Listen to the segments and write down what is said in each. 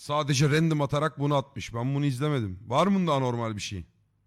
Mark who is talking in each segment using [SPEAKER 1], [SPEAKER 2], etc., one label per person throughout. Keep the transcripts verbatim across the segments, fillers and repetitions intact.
[SPEAKER 1] Sadece random atarak bunu atmış. Ben bunu izlemedim. Var mı bunda anormal bir şey?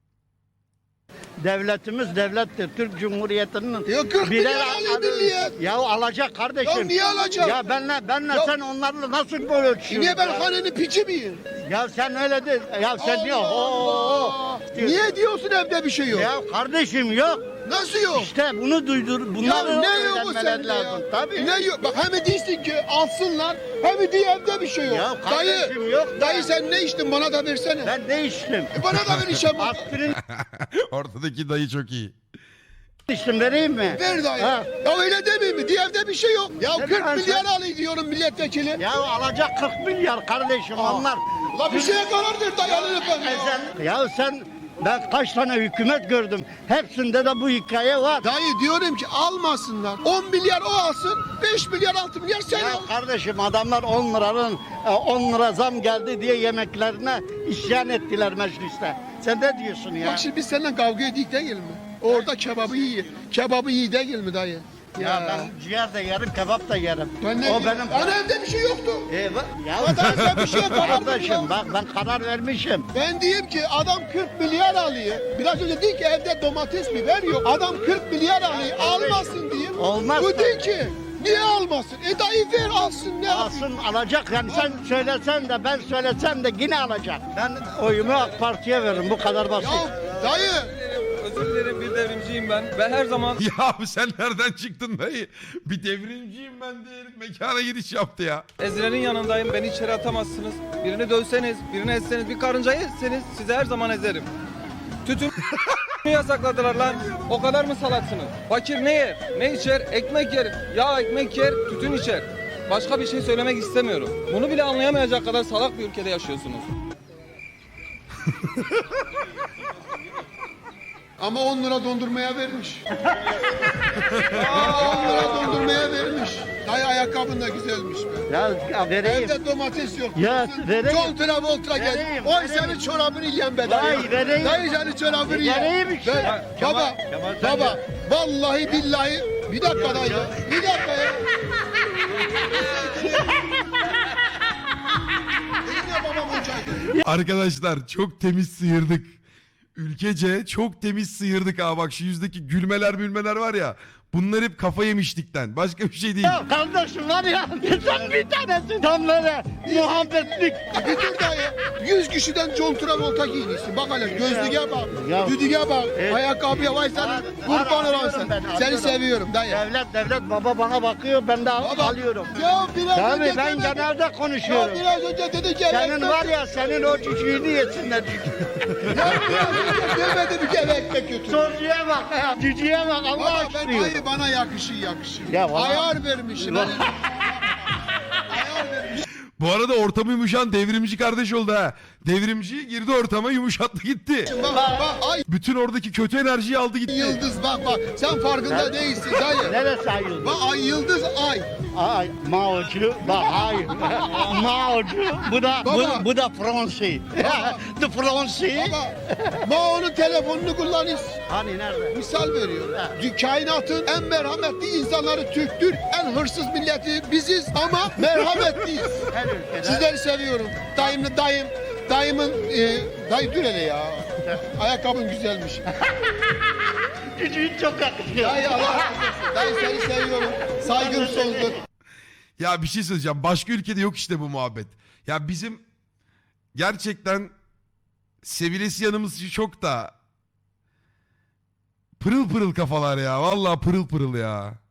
[SPEAKER 2] Devletimiz devlettir. Türk Cumhuriyeti'nin
[SPEAKER 3] Ya kırk
[SPEAKER 2] birer
[SPEAKER 3] milyar alıyor
[SPEAKER 2] adı-
[SPEAKER 3] milliyet.
[SPEAKER 2] Ya alacak kardeşim.
[SPEAKER 3] Ya niye alacak?
[SPEAKER 2] Ya benle benle
[SPEAKER 3] Ya-
[SPEAKER 2] sen onlarla nasıl böyle ölçüyorsun?
[SPEAKER 3] Niye ben
[SPEAKER 2] ya?
[SPEAKER 3] hanenin piçi miyim?
[SPEAKER 2] Ya sen öyle değil. Ya sen diyor.
[SPEAKER 3] Allah
[SPEAKER 2] Oo,
[SPEAKER 3] Allah. Niye diyorsun evde bir şey yok?
[SPEAKER 2] Ya kardeşim yok.
[SPEAKER 3] Nasıl yok?
[SPEAKER 2] İşte bunu duydur.
[SPEAKER 3] Ya
[SPEAKER 2] Bunları
[SPEAKER 3] ne yok bu
[SPEAKER 2] öğrenmeler
[SPEAKER 3] sende
[SPEAKER 2] lazım.
[SPEAKER 3] ya?
[SPEAKER 2] Tabii.
[SPEAKER 3] Ne yok? Bak hem değilsin ki alsınlar hem diye evde bir şey yok.
[SPEAKER 2] Ya kardeşim
[SPEAKER 3] dayı,
[SPEAKER 2] yok ya.
[SPEAKER 3] dayı sen ne içtin bana da versene.
[SPEAKER 2] Ben ne içtim?
[SPEAKER 3] E bana da ver işe bak.
[SPEAKER 2] Aspirin
[SPEAKER 1] Ortadaki dayı çok iyi.
[SPEAKER 2] içtim, vereyim mi?
[SPEAKER 3] Ver dayı.
[SPEAKER 2] Ha.
[SPEAKER 3] Ya öyle demeyeyim mi? Diye evde bir şey yok. Ya
[SPEAKER 2] Sen-
[SPEAKER 3] kırk
[SPEAKER 2] sen-
[SPEAKER 3] milyar alayım diyorum milletvekili.
[SPEAKER 2] Ya alacak kırk milyar kardeşim onlar.
[SPEAKER 3] La bir şeye karar ver dayı alır efendim. Ya.
[SPEAKER 2] Ezel- Ya sen ben kaç tane hükümet gördüm. Hepsinde de bu hikaye var.
[SPEAKER 3] Dayı diyorum ki almasınlar. on milyar o alsın, beş milyar altı milyar sen
[SPEAKER 2] Ya
[SPEAKER 3] al.
[SPEAKER 2] kardeşim adamlar on liranın e, on lira zam geldi diye yemeklerine isyan ettiler mecliste. Sen ne diyorsun ya?
[SPEAKER 3] Bak şimdi biz seninle kavga edik değil mi? Orada kebabı iyi. Kebabı iyi değil mi dayı?
[SPEAKER 2] Ya ben ciğer de yerim, kebap da yerim.
[SPEAKER 3] Ben ne
[SPEAKER 2] o
[SPEAKER 3] diyeyim?
[SPEAKER 2] benim.
[SPEAKER 3] Ana evde bir şey yoktu.
[SPEAKER 2] E, bak- ya
[SPEAKER 3] Adam sen bir şeye karar ver ya.
[SPEAKER 2] kardeşim bak ben karar vermişim.
[SPEAKER 3] Ben diyeyim ki adam kırk milyar alıyor. Biraz önce dedi ki evde domates biber yok. Adam kırk milyar alıyor. Almasın diyeyim.
[SPEAKER 2] Olmaz
[SPEAKER 3] Bu
[SPEAKER 2] tabii.
[SPEAKER 3] değil ki. Niye almasın? E dayı ver alsın ne yapayım?
[SPEAKER 2] Alsın alacak yani sen söylesen de ben söylesem de yine alacak. Ben oyumu AK Parti'ye veririm bu kadar basit.
[SPEAKER 3] Ya dayı.
[SPEAKER 4] Özür dilerim, bir devrimciyim ben ve her zaman
[SPEAKER 1] Ya abi sen nereden çıktın dayı? Bir devrimciyim ben diye herif mekana giriş yaptı ya.
[SPEAKER 4] ezilerin yanındayım. Beni içeri atamazsınız. Birini dövseniz, birini etseniz, bir karıncayı etseniz sizi her zaman ezerim. Tütün yasakladılar lan. O kadar mı salaksınız? Fakir ne yer? Ne içer? Ekmek yer. Ya ekmek yer, tütün içer. Başka bir şey söylemek istemiyorum. Bunu bile anlayamayacak kadar salak bir ülkede yaşıyorsunuz.
[SPEAKER 3] Ama on lira dondurmaya vermiş. Ama on lira dondurmaya vermiş. Dayı ayakkabın da güzelmiş be.
[SPEAKER 2] Ya, ya vereyim.
[SPEAKER 3] Evde domates yok.
[SPEAKER 2] Ya, vereyim.
[SPEAKER 3] John Travolta geldi.
[SPEAKER 2] Vereyim,
[SPEAKER 3] Oy
[SPEAKER 2] vereyim.
[SPEAKER 3] senin çorabını yiyen be dayı.
[SPEAKER 2] Vay, vereyim.
[SPEAKER 3] Dayı senin çorabını yiyen.
[SPEAKER 2] Vereyim işte.
[SPEAKER 3] Ben-
[SPEAKER 2] Ya,
[SPEAKER 3] baba,
[SPEAKER 2] Kemal- Kemal sen
[SPEAKER 3] baba.
[SPEAKER 2] de-
[SPEAKER 3] Vallahi billahi. Bir dakika dayı. Bir dakika ya. Yine babam hocaydı.
[SPEAKER 1] Arkadaşlar çok temiz sıyırdık. Ülkece çok temiz sıyırdık ha. Bak şu yüzdeki gülmeler mülmeler var ya. Bunlar hep kafa yemişlikten. Başka bir şey değil.
[SPEAKER 2] Ya kardeşim var ya sen bir tanesi tam böyle muhabbetlik.
[SPEAKER 3] Bir dur dayı. Yüz kişiden John Travolta giymişsin. Bak hele gözlüğe bak.
[SPEAKER 2] Ya.
[SPEAKER 3] Düdüğe bak.
[SPEAKER 2] Evet.
[SPEAKER 3] Ayakkabıya vay senin.
[SPEAKER 2] Var,
[SPEAKER 3] Kurban
[SPEAKER 2] var,
[SPEAKER 3] olan
[SPEAKER 2] alıyorum
[SPEAKER 3] sen.
[SPEAKER 2] ben,
[SPEAKER 3] Seni
[SPEAKER 2] alıyorum.
[SPEAKER 3] seviyorum dayı.
[SPEAKER 2] Devlet devlet baba bana bakıyor ben de
[SPEAKER 3] Baba,
[SPEAKER 2] alıyorum.
[SPEAKER 3] Ya biraz
[SPEAKER 2] Tabii
[SPEAKER 3] önce
[SPEAKER 2] ben
[SPEAKER 3] demedin.
[SPEAKER 2] genelde
[SPEAKER 3] Ya
[SPEAKER 2] konuşuyorum.
[SPEAKER 3] biraz önce dedi ki
[SPEAKER 2] Senin
[SPEAKER 3] ekmek-
[SPEAKER 2] var ya senin o cücüğünü yesinler cücüğü.
[SPEAKER 3] Ya biraz önce demedim ki eve ekmek götür.
[SPEAKER 2] Soruya bak ya cücüğe bak Allah
[SPEAKER 3] Baba ben
[SPEAKER 2] aşkına.
[SPEAKER 3] hayır bana yakışır yakışır.
[SPEAKER 2] Ya bana-
[SPEAKER 3] Ayar vermişim. Ayar vermişim.
[SPEAKER 1] Bu arada ortamı yumuşan devrimci kardeş oldu ha. Devrimci girdi ortama yumuşattı gitti.
[SPEAKER 3] Bak bak ay
[SPEAKER 1] Bütün oradaki kötü enerjiyi aldı gitti.
[SPEAKER 3] yıldız bak bak sen farkında değilsin dayı.
[SPEAKER 2] Neresi ayıldı?
[SPEAKER 3] Bak ay yıldız ay.
[SPEAKER 2] Ay Mao'cu bak hayır. Mao'cu bu da
[SPEAKER 3] Baba.
[SPEAKER 2] bu, bu da Fransi. The Fransi.
[SPEAKER 3] Baba Mao'nun telefonunu kullanırız.
[SPEAKER 2] Hani nerede?
[SPEAKER 3] Misal veriyorum. Dü- Kainatın en merhametli insanları Türktür. En hırsız milleti biziz ama merhametliyiz.
[SPEAKER 2] Her ülkede.
[SPEAKER 3] Sizleri seviyorum. Dayım, dayım, dayımın, e, dayı dur hele ya. Ayakkabın güzelmiş.
[SPEAKER 2] Cücüğün çok yakışıyor.
[SPEAKER 3] Dayı Allah razı olsun. Dayı seni seviyorum. Saygım sonsuz.
[SPEAKER 1] Ya bir şey söyleyeceğim. Başka ülkede yok işte bu muhabbet. Ya bizim gerçekten sevilesi yanımız çok da pırıl pırıl kafalar ya. Vallahi pırıl pırıl ya.